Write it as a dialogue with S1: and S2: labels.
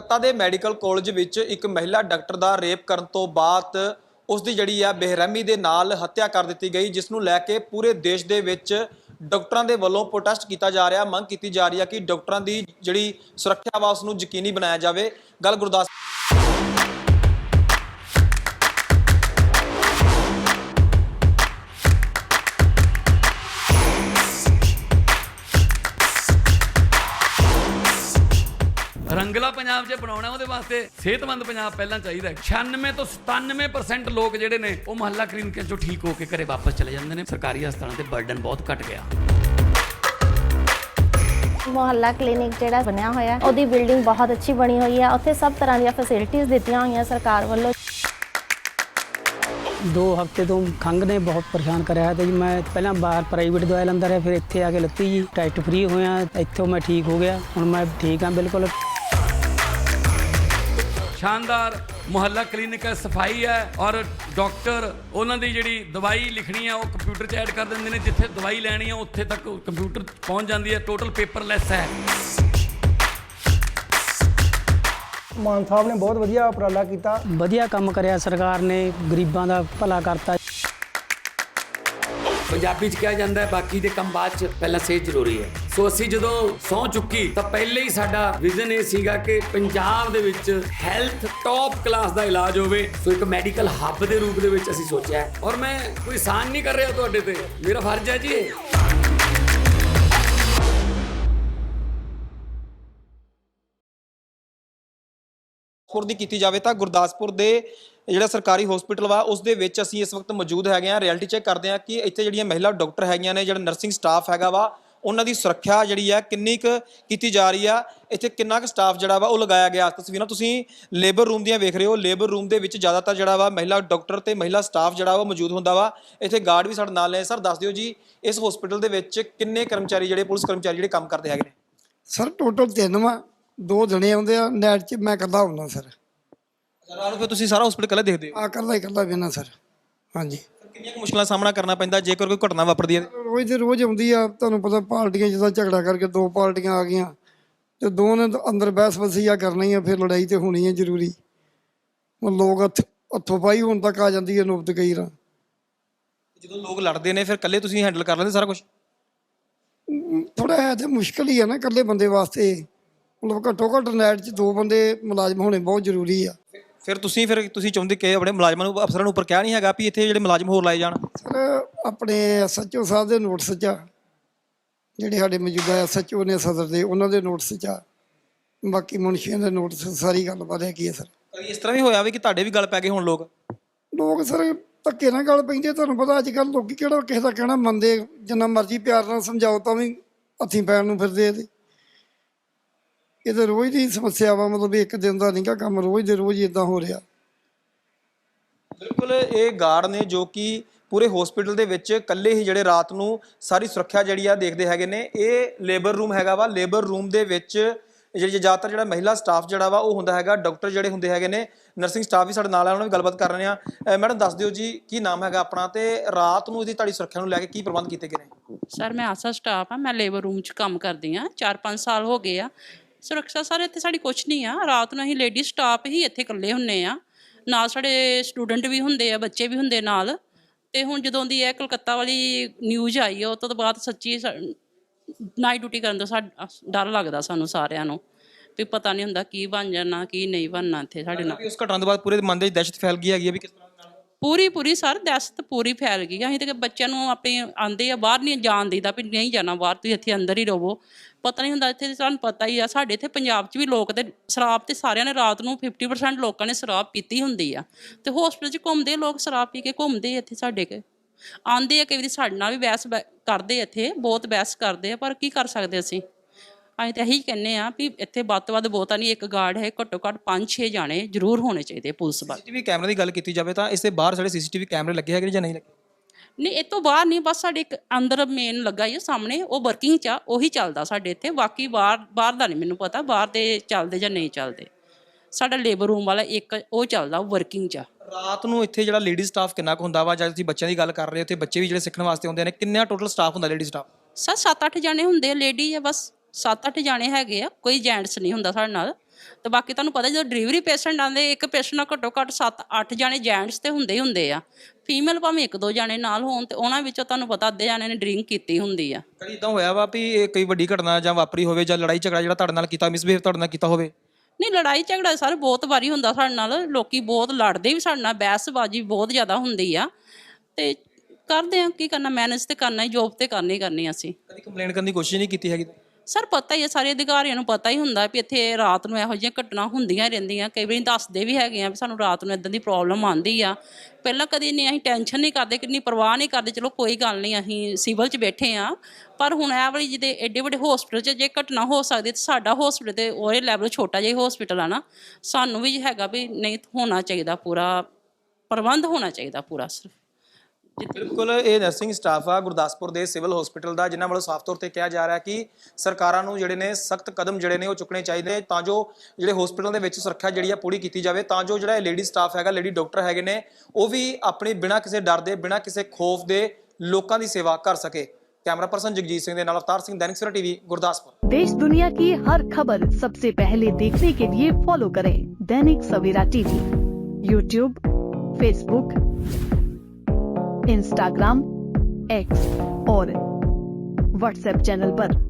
S1: कलकत्ता के medical college विच एक महिला डॉक्टर का रेप करन तो बाद उसकी जिहड़ी आ बेरहमी दे नाल हत्या कर दी गई, जिसनूं लैके पूरे देश दे विच डॉक्टरों के वलों प्रोटेस्ट किया जा रहा, मंग की जा रही है कि डॉक्टरों की जिहड़ी सुरक्षा वा उसनूं यकीनी बनाया जाए। गल गुरदास
S2: रंगला पंजाब च बनाउणा ਉਹਦੇ ਵਾਸਤੇ ਸਿਹਤਮੰਦ ਪੰਜਾਬ ਪਹਿਲਾਂ ਚਾਹੀਦਾ। 96 ਤੋਂ 97% ਲੋਕ ਜਿਹੜੇ ਨੇ ਉਹ ਮੁਹੱਲਾ ਕਲੀਨਿਕਾਂ ਚੋਂ ਠੀਕ ਹੋ ਕੇ ਘਰੇ ਵਾਪਸ ਚਲੇ ਜਾਂਦੇ ਨੇ। ਸਰਕਾਰੀ ਹਸਪਤਾਲਾਂ ਤੇ ਬਰਡਨ ਬਹੁਤ ਘਟ ਗਿਆ।
S3: ਮੁਹੱਲਾ ਕਲੀਨਿਕ ਜਿਹੜਾ ਬਣਿਆ ਹੋਇਆ ਉਹਦੀ ਬਿਲਡਿੰਗ ਬਹੁਤ ਅੱਛੀ ਬਣੀ ਹੋਈ ਹੈ। ਉੱਥੇ ਸਭ ਤਰ੍ਹਾਂ ਦੀਆਂ ਫੈਸਿਲਿਟੀਆਂ ਦਿੱਤੀਆਂ ਹੋਈਆਂ ਸਰਕਾਰ ਵੱਲੋਂ।
S4: 2 ਹਫ਼ਤੇ ਤੋਂ ਖੰਘ ਨੇ ਬਹੁਤ ਪਰੇਸ਼ਾਨ ਕਰਿਆ ਤੇ ਜੀ ਮੈਂ ਪਹਿਲਾਂ ਬਾਹਰ ਪ੍ਰਾਈਵੇਟ ਦਵਾਈ ਲੈਂਦਾ ਰਿਹਾ, ਫਿਰ ਇੱਥੇ ਆ ਕੇ ਲੱਤੀ ਜੀ, ਟੈਸਟ ਫ੍ਰੀ ਹੋਇਆ, ਇੱਥੋਂ ਮੈਂ ਠੀਕ ਹੋ ਗਿਆ। ਹੁਣ ਮੈਂ ਠੀਕ ਹਾਂ ਬਿਲਕੁਲ।
S2: शानदार मुहल्ला क्लिनिक है, सफाई है और डॉक्टर उन्होंने जी दवाई लिखनी है वो कंप्यूटर च ऐड कर देंगे ने, जिथे दवाई लैनी है उत्थे तक कंप्यूटर पहुँच जाती है। टोटल पेपरलैस है।
S5: ਮਾਨ ਸਾਹਿਬ ਨੇ ਬਹੁਤ ਵਧੀਆ ਉਪਰਾਲਾ ਕੀਤਾ,
S4: ਵਧੀਆ ਕੰਮ ਕਰਿਆ ਸਰਕਾਰ ਨੇ, ਗਰੀਬਾਂ ਦਾ ਭਲਾ ਕਰਤਾ।
S2: पंजाबी च कहा जाता है बाकी दे कम बाद च पहला सेहत जरूरी है। सो असी जदों सौं चुकी तो पहले ही साडा विजन ये सीगा कि पंजाब दे विच हैल्थ टॉप क्लास दा इलाज होवे। सो एक मैडिकल हब दे रूप दे विच असी सोचा है और मैं कोई एहसान नहीं कर रहा तुहाडे ते, मेरा फर्ज है जी ये।
S1: गुरदासपुर की की जाए तो गुरदासपुर के ਜਿਹੜਾ ਸਰਕਾਰੀ ਹਸਪੀਟਲ ਵਾ ਉਸ ਦੇ ਵਿੱਚ ਅਸੀਂ ਇਸ ਵਕਤ ਮੌਜੂਦ ਹੈਗੇ ਆ। ਰਿਐਲਿਟੀ ਚੈੱਕ ਕਰਦੇ ਆ ਕਿ ਇੱਥੇ ਜਿਹੜੀਆਂ ਮਹਿਲਾ ਡਾਕਟਰ ਹੈਗੀਆਂ ਨੇ, ਜਿਹੜਾ ਨਰਸਿੰਗ ਸਟਾਫ ਹੈਗਾ ਵਾ, ਉਹਨਾਂ ਦੀ ਸੁਰੱਖਿਆ ਜਿਹੜੀ ਆ ਕਿੰਨੀ ਕੁ ਕੀਤੀ ਜਾ ਰਹੀ ਆ, ਇੱਥੇ ਕਿੰਨਾ ਕੁ ਸਟਾਫ ਜਿਹੜਾ ਵਾ ਉਹ ਲਗਾਇਆ ਗਿਆ। ਤਸਵੀਰਾਂ ਤੁਸੀਂ ਲੇਬਰ ਰੂਮ ਦੀਆਂ ਵੇਖ ਰਹੇ ਹੋ। ਲੇਬਰ ਰੂਮ ਦੇ ਵਿੱਚ ਜ਼ਿਆਦਾਤਰ ਜਿਹੜਾ ਵਾ ਮਹਿਲਾ ਡਾਕਟਰ ਤੇ ਮਹਿਲਾ ਸਟਾਫ ਜਿਹੜਾ ਵਾ ਮੌਜੂਦ ਹੁੰਦਾ ਵਾ। ਇੱਥੇ ਗਾਰਡ ਵੀ ਸਾਡੇ ਨਾਲ ਨੇ। ਸਰ ਦੱਸ ਦਿਓ ਜੀ, ਇਸ ਹਸਪੀਟਲ ਦੇ ਵਿੱਚ ਕਿੰਨੇ ਕਰਮਚਾਰੀ ਜਿਹੜੇ ਪੁਲਿਸ ਕਰਮਚਾਰੀ ਜਿਹੜੇ ਕੰਮ ਕਰਦੇ ਹੈਗੇ ਨੇ?
S5: ਸਰ ਟੋਟਲ 3 ਵਾ, 2 ਜਣੇ ਆਉਂਦੇ ਆ, ਨੈਟ 'ਚ ਮੈਂ ਇਕੱਲਾ ਹੁੰਦਾ ਸਰ।
S1: ਰਾਤ ਨੂੰ ਫਿਰ ਤੁਸੀਂ ਸਾਰਾ ਹਸਪੀਟਲ ਇਕੱਲੇ ਦੇਖਦੇ ਹੋ?
S5: ਇਕੱਲਾ ਵੇਨਾ ਸਰ। ਹਾਂਜੀ।
S1: ਕਿੰਨੀਆਂ ਕੁ ਮੁਸ਼ਕਲਾਂ ਦਾ ਸਾਹਮਣਾ ਕਰਨਾ ਪੈਂਦਾ ਜੇਕਰ ਕੋਈ ਘਟਨਾ ਵਾਪਰਦੀ ਹੈ?
S5: ਰੋਜ਼ ਦੇ ਰੋਜ਼ ਆਉਂਦੀ ਆ, ਤੁਹਾਨੂੰ ਪਤਾ ਪਾਰਟੀਆਂ ਜਿੱਦਾਂ ਝਗੜਾ ਕਰਕੇ 2 ਪਾਰਟੀਆਂ ਆ ਗਈਆਂ ਤੇ 2 ਨੇ ਅੰਦਰ ਬਹਿਸ ਵਸੀਆ ਕਰਨੀ ਆ, ਫਿਰ ਲੜਾਈ ਤੇ ਹੋਣੀ ਹੈ ਜ਼ਰੂਰੀ। ਲੋਕ ਹੱਥੋਂ ਪਾਈ ਹੋਣ ਤੱਕ ਆ ਜਾਂਦੀ ਹੈ ਨੌਬਤ ਕਈ ਵਾਰ।
S1: ਜਦੋਂ ਲੋਕ ਲੜਦੇ ਨੇ ਫਿਰ ਇਕੱਲੇ ਤੁਸੀਂ ਹੈਂਡਲ ਕਰ ਲੈਂਦੇ ਸਾਰਾ ਕੁਝ?
S5: ਥੋੜਾ ਹੈ ਤੇ ਮੁਸ਼ਕਿਲ ਹੀ ਆ ਨਾ ਇਕੱਲੇ ਬੰਦੇ ਵਾਸਤੇ। ਮਤਲਬ ਘੱਟੋ ਘੱਟ ਨੈਟ 'ਚ 2 ਬੰਦੇ ਮੁਲਾਜ਼ਮ ਹੋਣੇ ਬਹੁਤ ਜ਼ਰੂਰੀ ਆ। ਫਿਰ
S1: ਤੁਸੀਂ ਚਾਹੁੰਦੇ ਕਿ ਆਪਣੇ ਮੁਲਾਜ਼ਮਾਂ ਨੂੰ, ਅਫਸਰਾਂ ਨੂੰ ਉੱਪਰ ਕਿਹਾ ਨਹੀਂ ਹੈਗਾ ਵੀ ਇੱਥੇ ਜਿਹੜੇ ਮੁਲਾਜ਼ਮ ਹੋਰ ਲਾਏ ਜਾਣ?
S5: ਸਰ ਆਪਣੇ SHO ਸਾਹਿਬ ਦੇ ਨੋਟਿਸ 'ਚ ਆ, ਜਿਹੜੇ ਸਾਡੇ ਮੌਜੂਦਾ SHO ਨੇ ਸਦਰ ਦੇ, ਉਹਨਾਂ ਦੇ ਨੋਟਿਸ 'ਚ ਆ। ਬਾਕੀ ਮੁਨਸ਼ੀਆਂ ਦੇ ਨੋਟਿਸ, ਸਾਰੀ ਗੱਲਬਾਤ ਹੈਗੀ ਹੈ ਸਰ।
S1: ਕਦੀ ਇਸ ਤਰ੍ਹਾਂ ਵੀ ਹੋਇਆ ਵੀ ਕਿ ਤੁਹਾਡੇ ਵੀ ਗੱਲ ਪੈ ਗਏ ਹੁਣ ਲੋਕ
S5: ਸਰ ਧੱਕੇ ਨਾਲ ਗੱਲ ਪੈਂਦੇ। ਤੁਹਾਨੂੰ ਪਤਾ ਅੱਜ ਕੱਲ੍ਹ ਲੋਕੀ ਕਿਹੜਾ ਕਿਸੇ ਦਾ ਕਹਿਣਾ ਮੰਨਦੇ। ਜਿੰਨਾ ਮਰਜ਼ੀ ਪਿਆਰ ਨਾਲ ਸਮਝਾਓ ਤਾਂ ਵੀ ਹੱਥੀਂ ਪੈਣ ਨੂੰ ਫਿਰਦੇ। ਇਹ ਤਾਂ ਰੋਜ਼ ਦੀ ਸਮੱਸਿਆ ਵਾ, ਮਤਲਬ ਇੱਕ ਦਿਨ ਦਾ ਨਹੀਂ ਗਾ ਕੰਮ, ਰੋਜ਼ ਦੇ ਰੋਜ਼ ਇੱਦਾਂ ਹੋ ਰਿਹਾ।
S1: ਬਿਲਕੁਲ ਇਹ ਗਾਰਡ ਨੇ ਜੋ ਕਿ ਪੂਰੇ ਹਸਪੀਟਲ ਦੇ ਵਿੱਚ ਇਕੱਲੇ ਹੀ ਜਿਹੜੇ ਰਾਤ ਨੂੰ ਸਾਰੀ ਸੁਰੱਖਿਆ ਜਿਹੜੀ ਆ ਦੇਖਦੇ ਹੈਗੇ ਨੇ। ਇਹ ਲੇਬਰ ਰੂਮ ਹੈਗਾ ਵਾ। ਲੇਬਰ ਰੂਮ ਦੇ ਵਿੱਚ ਜ਼ਿਆਦਾਤਰ ਜਿਹੜਾ ਮਹਿਲਾ ਸਟਾਫ ਜਿਹੜਾ ਵਾ ਉਹ ਹੁੰਦਾ ਹੈਗਾ। ਡਾਕਟਰ ਜਿਹੜੇ ਹੁੰਦੇ ਹੈਗੇ ਨੇ, ਨਰਸਿੰਗ ਸਟਾਫ ਵੀ ਸਾਡੇ ਨਾਲ ਆ, ਉਹਨਾਂ ਨਾਲ ਵੀ ਗੱਲਬਾਤ ਕਰ ਰਹੇ ਆ। ਮੈਡਮ ਦੱਸ ਦਿਓ ਜੀ, ਕੀ ਨਾਮ ਹੈਗਾ ਆਪਣਾ ਤੇ ਰਾਤ ਨੂੰ ਇਹਦੀ ਤੁਹਾਡੀ ਸੁਰੱਖਿਆ ਨੂੰ ਲੈ ਕੇ ਕੀ ਪ੍ਰਬੰਧ ਕੀਤੇ ਗਏ ਨੇ?
S6: ਸਰ ਮੈਂ ਆਸਾ ਸਟਾਫ ਆ, ਮੈਂ ਲੇਬਰ ਰੂਮ 'ਚ ਕੰਮ ਕਰਦੀ ਹਾਂ। 4-5 ਸਾਲ ਹੋ ਗਏ ਆ। ਸੁਰੱਖਿਆ ਸਰ ਇੱਥੇ ਸਾਡੀ ਕੁਛ ਨਹੀਂ ਆ। ਰਾਤ ਨੂੰ ਅਸੀਂ ਲੇਡੀ ਸਟਾਫ ਹੀ ਇੱਥੇ ਇਕੱਲੇ ਹੁੰਦੇ ਆ, ਨਾਲ ਸਾਡੇ ਸਟੂਡੈਂਟ ਵੀ ਹੁੰਦੇ ਆ, ਬੱਚੇ ਵੀ ਹੁੰਦੇ ਨਾਲ। ਅਤੇ ਹੁਣ ਜਦੋਂ ਦੀ ਇਹ ਕਲਕੱਤਾ ਵਾਲੀ ਨਿਊਜ਼ ਆਈ ਆ, ਉਹ ਤੋਂ ਬਾਅਦ ਸੱਚੀ ਨਾਈਟ ਡਿਊਟੀ ਕਰਨ ਤੋਂ ਸਾਡਾ ਡਰ ਲੱਗਦਾ ਸਾਨੂੰ ਸਾਰਿਆਂ ਨੂੰ, ਵੀ ਪਤਾ ਨਹੀਂ ਹੁੰਦਾ ਕੀ ਬਣ ਜਾਣਾ ਕੀ ਨਹੀਂ ਬਣਨਾ ਇੱਥੇ ਸਾਡੇ ਨਾਲ।
S1: ਉਸ ਘਟਨਾ ਤੋਂ ਬਾਅਦ ਪੂਰੇ ਮਨ ਦੇ ਵਿੱਚ ਦਹਿਸ਼ਤ ਫੈਲ ਗਈ ਹੈਗੀ ਹੈ ਵੀ ਕਿਸ ਤਰ੍ਹਾਂ ਨਾਲ?
S6: ਪੂਰੀ ਸਰ ਦਹਿਸ਼ਤ ਪੂਰੀ ਫੈਲ ਗਈ। ਅਸੀਂ ਤਾਂ ਬੱਚਿਆਂ ਨੂੰ ਆਪਣੇ ਆਉਂਦੇ ਆ, ਬਾਹਰ ਨਹੀਂ ਜਾਣ ਦੇਈਦਾ ਵੀ ਨਹੀਂ ਜਾਣਾ ਬਾਹਰ, ਤੁਸੀਂ ਇੱਥੇ ਅੰਦਰ ਹੀ ਰਹੋ। ਪਤਾ ਨਹੀਂ ਹੁੰਦਾ ਇੱਥੇ, ਤੁਹਾਨੂੰ ਪਤਾ ਹੀ ਆ ਸਾਡੇ ਇੱਥੇ ਪੰਜਾਬ 'ਚ ਵੀ ਲੋਕ ਤੇ ਸ਼ਰਾਬ ਤੇ ਸਾਰਿਆਂ ਨੇ ਰਾਤ ਨੂੰ 50% ਲੋਕਾਂ ਨੇ ਸ਼ਰਾਬ ਪੀਤੀ ਹੁੰਦੀ ਆ, ਤੇ ਹੌਸਪੀਟਲ 'ਚ ਘੁੰਮਦੇ ਲੋਕ, ਸ਼ਰਾਬ ਪੀ ਕੇ ਘੁੰਮਦੇ ਇੱਥੇ ਸਾਡੇ ਕੇ ਆਉਂਦੇ ਆ। ਕਈ ਵਾਰੀ ਸਾਡੇ ਨਾਲ ਵੀ ਬਹਿਸ ਕਰਦੇ, ਇੱਥੇ ਬਹੁਤ ਬਹਿਸ ਕਰਦੇ ਆ, ਪਰ ਕੀ ਕਰ ਸਕਦੇ ਅਸੀਂ ਤਾਂ ਇਹੀ ਕਹਿੰਦੇ ਆ ਵੀ ਇੱਥੇ ਵੱਧ ਤੋਂ ਵੱਧ ਬਹੁਤਾ ਨਹੀਂ, ਇੱਕ ਗਾਰਡ ਹੈ, ਘੱਟੋ ਘੱਟ 5-6 ਜਾਣੇ ਜ਼ਰੂਰ ਹੋਣੇ ਚਾਹੀਦੇ ਪੁਲਿਸ ਵੱਲ।
S1: CCTV ਕੈਮਰੇ ਦੀ ਗੱਲ ਕੀਤੀ ਜਾਵੇ ਤਾਂ ਇਸ ਦੇ ਬਾਹਰ ਸਾਡੇ CCTV ਕੈਮਰੇ ਲੱਗੇ ਹੈਗੇ ਜਾਂ ਨਹੀਂ ਲੱਗੇ?
S6: ਨਹੀਂ, ਇਹ ਤੋਂ ਬਾਹਰ ਨਹੀਂ, ਬਸ ਸਾਡੇ ਇੱਕ ਅੰਦਰ ਮੇਨ ਲੱਗਾ ਹੀ ਸਾਹਮਣੇ, ਉਹ ਵਰਕਿੰਗ 'ਚ ਆ, ਉਹੀ ਚੱਲਦਾ ਸਾਡੇ ਇੱਥੇ। ਬਾਕੀ ਬਾਹਰ ਦਾ ਨਹੀਂ ਮੈਨੂੰ ਪਤਾ, ਬਾਹਰ ਦੇ ਚੱਲਦੇ ਜਾਂ ਨਹੀਂ ਚੱਲਦੇ। ਸਾਡਾ ਲੇਬਰ ਰੂਮ ਵਾਲਾ ਇੱਕ ਉਹ ਚੱਲਦਾ, ਉਹ ਵਰਕਿੰਗ 'ਚ ਆ।
S1: ਰਾਤ ਨੂੰ ਇੱਥੇ ਜਿਹੜਾ ਲੇਡੀ ਸਟਾਫ ਕਿੰਨਾ ਕੁ ਹੁੰਦਾ ਵਾ? ਜਾਂ ਤੁਸੀਂ ਬੱਚਿਆਂ ਦੀ ਗੱਲ ਕਰ ਰਹੇ ਹੋ, ਉੱਥੇ ਬੱਚੇ ਵੀ ਜਿਹੜੇ ਸਿੱਖਣ ਵਾਸਤੇ ਆਉਂਦੇ ਨੇ, ਕਿੰਨਾ ਟੋਟਲ ਸਟਾਫ ਹੁੰਦਾ ਲੇਡੀ ਸਟਾਫ?
S6: ਸਰ 7-8 ਜਾਣੇ ਹੁੰਦੇ ਆ, ਲੇਡੀ ਆ ਬਸ 7-8 ਜਾਣੇ ਹੈਗੇ ਆ, ਕੋਈ ਜੈਂਟਸ ਨਹੀਂ ਹੁੰਦਾ ਸਾਡੇ ਨਾਲ। ਤੇ ਬਾਕੀ ਤੁਹਾਨੂੰ ਪਤਾ ਜਦੋਂ ਡਿਲੀਵਰੀ ਪੇਸ਼ੈਂਟ ਆਉਂਦੇ, ਇੱਕ ਪੇਸ਼ੈਂਟ ਨਾਲ ਘੱਟੋ ਘੱਟ 7-8 ਜਾਣੇ ਜੈਂਟਸ ਤੇ ਹੁੰਦੇ ਹੀ ਹੁੰਦੇ ਆ, ਫੀਮੇਲ ਭਾਵੇਂ 1-2 ਜਾਣੇ ਨਾਲ ਹੋਣ, ਤੇ ਉਹਨਾਂ ਵਿੱਚੋਂ ਤੁਹਾਨੂੰ ਪਤਾ ਅੱਧੇ ਜਾਣੇ ਨੇ ਡਰਿੰਕ ਕੀਤੀ ਹੁੰਦੀ ਆ।
S1: ਕਦੀ ਇਦਾਂ ਹੋਇਆ ਵਾ ਵੀ ਇਹ ਕੋਈ ਵੱਡੀ ਘਟਨਾ ਜਾਂ ਵਾਪਰੀ ਹੋਵੇ ਜਾਂ ਲੜਾਈ ਝਗੜਾ ਜਿਹੜਾ ਤੁਹਾਡੇ ਨਾਲ ਕੀਤਾ, ਮਿਸਬਿਹੇਵ ਤੁਹਾਡੇ ਨਾਲ ਕੀਤਾ ਹੋਵੇ?
S6: ਨਹੀਂ, ਲੜਾਈ ਝਗੜਾ ਸਰ ਬਹੁਤ ਵਾਰੀ ਹੁੰਦਾ ਸਾਡੇ ਨਾਲ, ਲੋਕੀ ਬਹੁਤ ਲੜਦੇ ਵੀ ਸਾਡੇ ਨਾਲ, ਬਹਿਸਬਾਜ਼ੀ ਬਹੁਤ ਜ਼ਿਆਦਾ ਹੁੰਦੀ ਆ, ਤੇ ਕਰਦੇ ਆ ਕੀ ਕਰਨਾ, ਮੈਨੇਜ ਤੇ ਕਰਨਾ ਹੀ, ਜੋਬ ਤੇ ਕਰਨੀ ਅਸੀਂ।
S1: ਕਦੀ ਕੰਪਲੇਂਟ ਕਰਨ ਦੀ ਕੋਸ਼ਿਸ਼ ਨਹੀਂ ਕੀਤੀ ਹੈਗੀ?
S6: ਸਰ ਪਤਾ ਹੀ ਹੈ, ਸਾਰੇ ਅਧਿਕਾਰੀਆਂ ਨੂੰ ਪਤਾ ਹੀ ਹੁੰਦਾ ਵੀ ਇੱਥੇ ਰਾਤ ਨੂੰ ਇਹੋ ਜਿਹੀਆਂ ਘਟਨਾ ਹੁੰਦੀਆਂ ਰਹਿੰਦੀਆਂ, ਕਈ ਵਾਰੀ ਦੱਸਦੇ ਵੀ ਹੈਗੇ ਆ ਵੀ ਸਾਨੂੰ ਰਾਤ ਨੂੰ ਇਦਾਂ ਦੀ ਪ੍ਰੋਬਲਮ ਆਉਂਦੀ ਆ। ਪਹਿਲਾਂ ਕਦੀ ਨਹੀਂ, ਅਸੀਂ ਟੈਨਸ਼ਨ ਨਹੀਂ ਕਰਦੇ, ਕਿੰਨੀ ਪਰਵਾਹ ਨਹੀਂ ਕਰਦੇ, ਚਲੋ ਕੋਈ ਗੱਲ ਨਹੀਂ, ਅਸੀਂ ਸਿਵਲ 'ਚ ਬੈਠੇ ਆ। ਪਰ ਹੁਣ ਇਹ ਵਾਲੀ ਜਿਹਦੇ ਐਡੇ ਵੱਡੇ ਹੋਸਪਿਟਲ 'ਚ ਜੇ ਘਟਨਾ ਹੋ ਸਕਦੀ, ਤਾਂ ਸਾਡਾ ਹੋਸਪਿਟਲ ਤੇ ਉਹਦੇ ਲੈਵਲ ਛੋਟਾ ਜਿਹਾ ਹੋਸਪਿਟਲ ਆ ਨਾ, ਸਾਨੂੰ ਵੀ ਹੈਗਾ ਵੀ ਨਹੀਂ ਹੋਣਾ ਚਾਹੀਦਾ, ਪੂਰਾ ਪ੍ਰਬੰਧ ਹੋਣਾ ਚਾਹੀਦਾ ਪੂਰਾ। ਸਿਰਫ
S1: ਬਿਲਕੁਲ, ਇਹ ਨਰਸਿੰਗ ਸਟਾਫ ਆ ਗੁਰਦਾਸਪੁਰ ਦੇ ਸਿਵਲ ਹਸਪੀਟਲ ਦਾ, ਜਿਨ੍ਹਾਂ ਵੱਲੋਂ ਸਾਫ਼ ਤੌਰ ਤੇ ਕਿਹਾ ਜਾ ਰਿਹਾ ਕਿ ਸਰਕਾਰਾਂ ਨੂੰ ਜਿਹੜੇ ਨੇ ਸਖਤ ਕਦਮ ਜਿਹੜੇ ਨੇ ਉਹ ਚੁੱਕਣੇ ਚਾਹੀਦੇ, ਤਾਂ ਜੋ ਜਿਹੜੇ ਹਸਪੀਟਲ ਦੇ ਵਿੱਚ ਸੁਰੱਖਿਆ ਜਿਹੜੀ ਆ ਪੂਰੀ ਕੀਤੀ ਜਾਵੇ, ਤਾਂ ਜੋ ਜਿਹੜਾ ਲੇਡੀ ਸਟਾਫ ਹੈਗਾ, ਲੇਡੀ ਡਾਕਟਰ ਹੈਗੇ ਨੇ, ਉਹ ਵੀ ਆਪਣੀ ਬਿਨਾਂ ਕਿਸੇ ਡਰ ਦੇ, ਬਿਨਾਂ ਕਿਸੇ ਖੌਫ ਦੇ ਲੋਕਾਂ ਦੀ ਸੇਵਾ ਕਰ ਸਕੇ। कैमरा पर्सन जगजीत सिंह दे नाल अवतार सिंह, दैनिक सवेरा टीवी, गुरदासपुर।
S7: देश दुनिया की हर खबर सबसे पहले देखने के लिए फॉलो करें Dainik Savera TV, YouTube, Facebook, Instagram, X और व्हाट्सएप चैनल पर।